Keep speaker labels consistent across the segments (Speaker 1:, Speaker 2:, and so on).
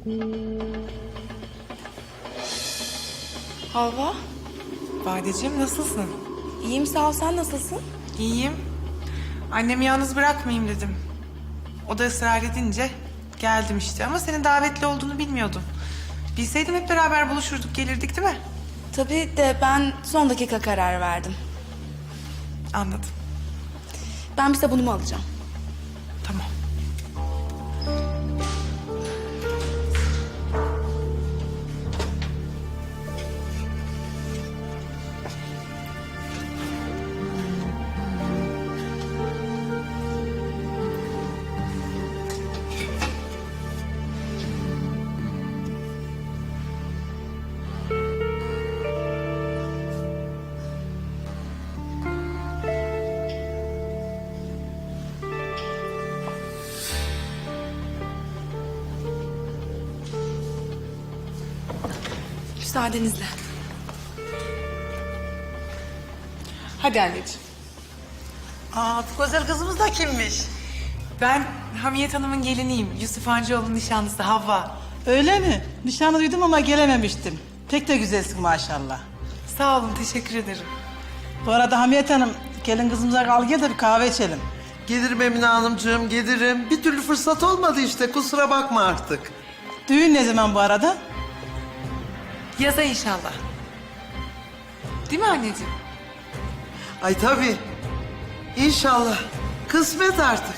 Speaker 1: Havva,
Speaker 2: Badeciğim nasılsın?
Speaker 1: iyiyim sağ ol. Sen nasılsın?
Speaker 2: İyiyim. Annemi yalnız bırakmayayım dedim. O da ısrar edince geldim işte. Ama senin davetli olduğunu bilmiyordum. Bilseydim hep beraber buluşurduk, gelirdik değil mi?
Speaker 1: Tabii de ben son dakika karar verdim.
Speaker 2: Anladım.
Speaker 1: Ben bir sabunumu alacağım.
Speaker 2: Tamam.
Speaker 1: Müsaadenizle.
Speaker 2: Hadi anneciğim.
Speaker 3: Aa, bu güzel kızımız da kimmiş?
Speaker 2: Ben Hamiyet Hanım'ın geliniyim. Yusuf Hancıoğlu'nun nişanlısı Havva.
Speaker 3: Öyle mi? Nişanı duydum ama gelememiştim. Pek de güzelsin maşallah.
Speaker 2: Sağ olun, teşekkür ederim.
Speaker 3: Bu arada Hamiyet Hanım, gelin kızımıza kal gel de bir kahve içelim.
Speaker 4: Gelirim Emine Hanımcığım, gelirim. Bir türlü fırsat olmadı işte, kusura bakma artık.
Speaker 3: Düğün ne zaman bu arada?
Speaker 2: Yaza inşallah. Değil mi anneciğim?
Speaker 4: Ay tabii. İnşallah. Kısmet artık.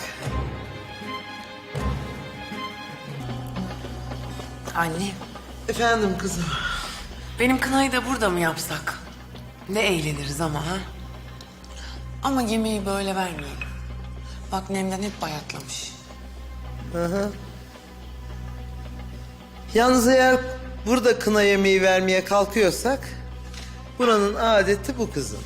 Speaker 5: Anne,
Speaker 4: Efendim kızım.
Speaker 5: benim kınayı da burada mı yapsak? Ne eğleniriz ama ha? Ama yemeği böyle vermeyelim. Bak Nemden hep bayatlamış.
Speaker 4: Yalnız eğer burada kına yemeği vermeye kalkıyorsak... ...buranın adeti bu kızım.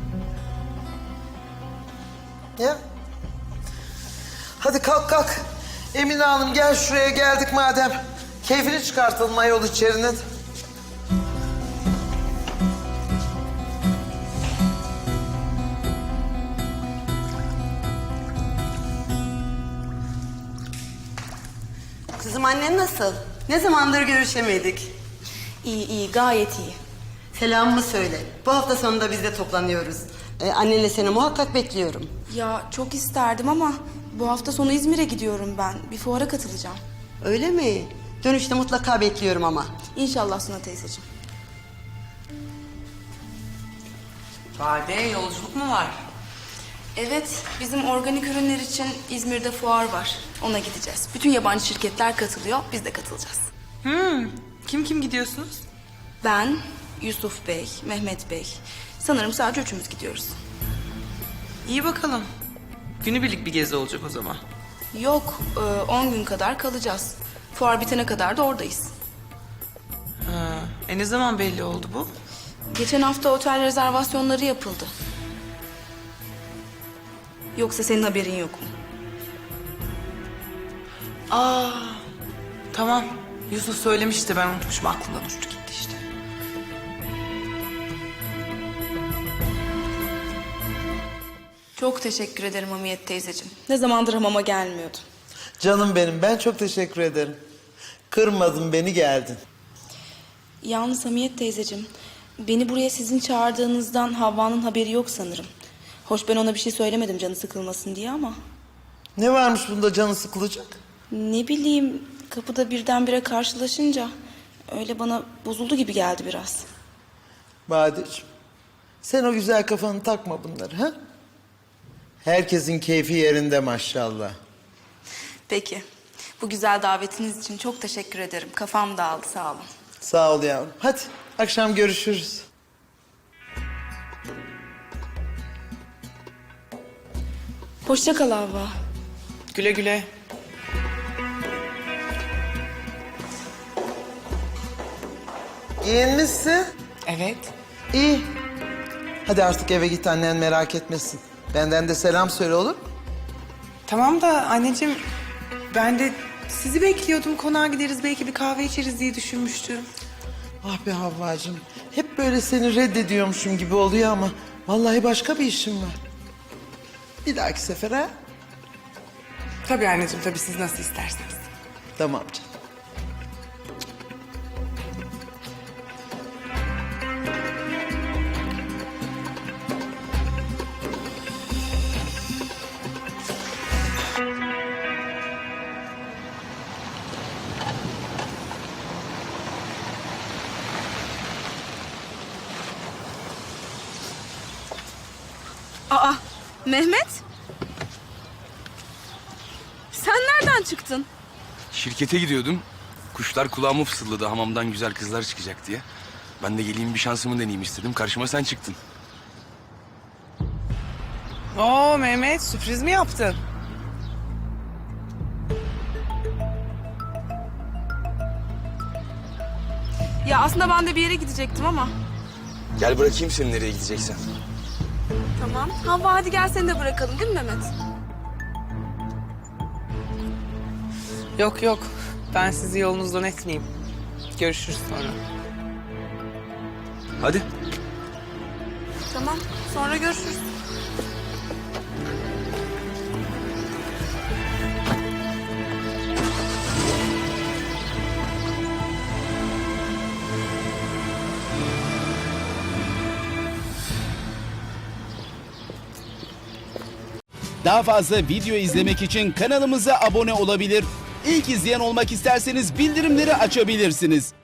Speaker 4: Ya. Hadi kalk kalk. Emine Hanım gel şuraya geldik madem. Keyfini çıkartalım ayol içerinin.
Speaker 6: Kızım annen nasıl? Ne zamandır görüşemedik.
Speaker 1: İyi iyi gayet iyi.
Speaker 6: Selamımı söyle. Bu hafta sonunda biz de toplanıyoruz. Annenle seni muhakkak bekliyorum.
Speaker 1: Ya çok isterdim ama bu hafta sonu İzmir'e gidiyorum ben. Bir fuara katılacağım.
Speaker 6: Öyle mi? Dönüşte mutlaka bekliyorum ama.
Speaker 1: İnşallah Suna teyzeciğim.
Speaker 5: Bade yolculuk mu var?
Speaker 1: Evet, bizim organik ürünler için İzmir'de fuar var. Ona gideceğiz. Bütün yabancı şirketler katılıyor, biz de katılacağız.
Speaker 2: Kim gidiyorsunuz?
Speaker 1: Ben, Yusuf Bey, Mehmet Bey. Sanırım sadece üçümüz gidiyoruz.
Speaker 2: İyi bakalım. Günübirlik bir gezi olacak o zaman.
Speaker 1: Yok, 10 gün kadar kalacağız. Fuar bitene kadar da oradayız.
Speaker 2: Ne zaman belli oldu bu?
Speaker 1: Geçen hafta otel rezervasyonları yapıldı. Yoksa senin haberin yok mu?
Speaker 2: Tamam. Yusuf söylemişti, ben unutmuşum. Aklımdan uçtu gitti işte.
Speaker 1: Çok teşekkür ederim Hamiyet teyzeciğim. Ne zamandır hamama gelmiyordum.
Speaker 4: Canım benim, ben çok teşekkür ederim. Kırmadın beni, geldin.
Speaker 1: Yalnız Hamiyet teyzeciğim, beni buraya sizin çağırdığınızdan Havva'nın haberi yok sanırım. Hoş ben ona bir şey söylemedim canı sıkılmasın diye ama...
Speaker 4: Ne varmış bunda canı sıkılacak?
Speaker 1: Ne bileyim, kapıda birdenbire karşılaşınca... ...öyle bana bozuldu gibi geldi biraz.
Speaker 4: Badeciğim, sen o güzel kafanı takma bunları ha? Herkesin keyfi yerinde maşallah.
Speaker 1: Peki, bu güzel davetiniz için çok teşekkür ederim. Kafam dağıldı, sağ olun.
Speaker 4: Sağ ol yavrum. Hadi akşam görüşürüz.
Speaker 1: Hoşça kal Havva.
Speaker 2: Güle güle.
Speaker 4: Giyinmişsin.
Speaker 2: Evet.
Speaker 4: İyi. Hadi artık eve git, annen merak etmesin. Benden de selam söyle, olur mu?
Speaker 2: Tamam da anneciğim, ben de sizi bekliyordum. Konağa gideriz, belki bir kahve içeriz diye düşünmüştüm.
Speaker 4: Ah be Havvacığım. Hep böyle seni reddediyormuşum gibi oluyor ama... ...vallahi başka bir işim var. Bir dahaki sefer ha?
Speaker 2: Tabii anneciğim, tabii siz nasıl isterseniz.
Speaker 4: Tamam canım.
Speaker 1: Mehmet? Sen nereden çıktın?
Speaker 7: Şirkete gidiyordum. Kuşlar kulağıma fısıldadı hamamdan güzel kızlar çıkacak diye. Ben de geleyim bir şansımı deneyeyim istedim. Karşıma sen çıktın.
Speaker 2: Oo Mehmet, sürpriz mi yaptın?
Speaker 1: Ya aslında ben de bir yere gidecektim ama.
Speaker 7: Gel bırakayım seni nereye gideceksen.
Speaker 1: Tamam. Havva hadi gel seni de bırakalım değil mi Mehmet?
Speaker 2: Yok yok, ben sizi yolunuzdan etmeyeyim. Görüşürüz sonra.
Speaker 7: Hadi.
Speaker 1: Tamam. Sonra görüşürüz.
Speaker 8: Daha fazla video izlemek için kanalımıza abone olabilir. İlk izleyen olmak isterseniz bildirimleri açabilirsiniz.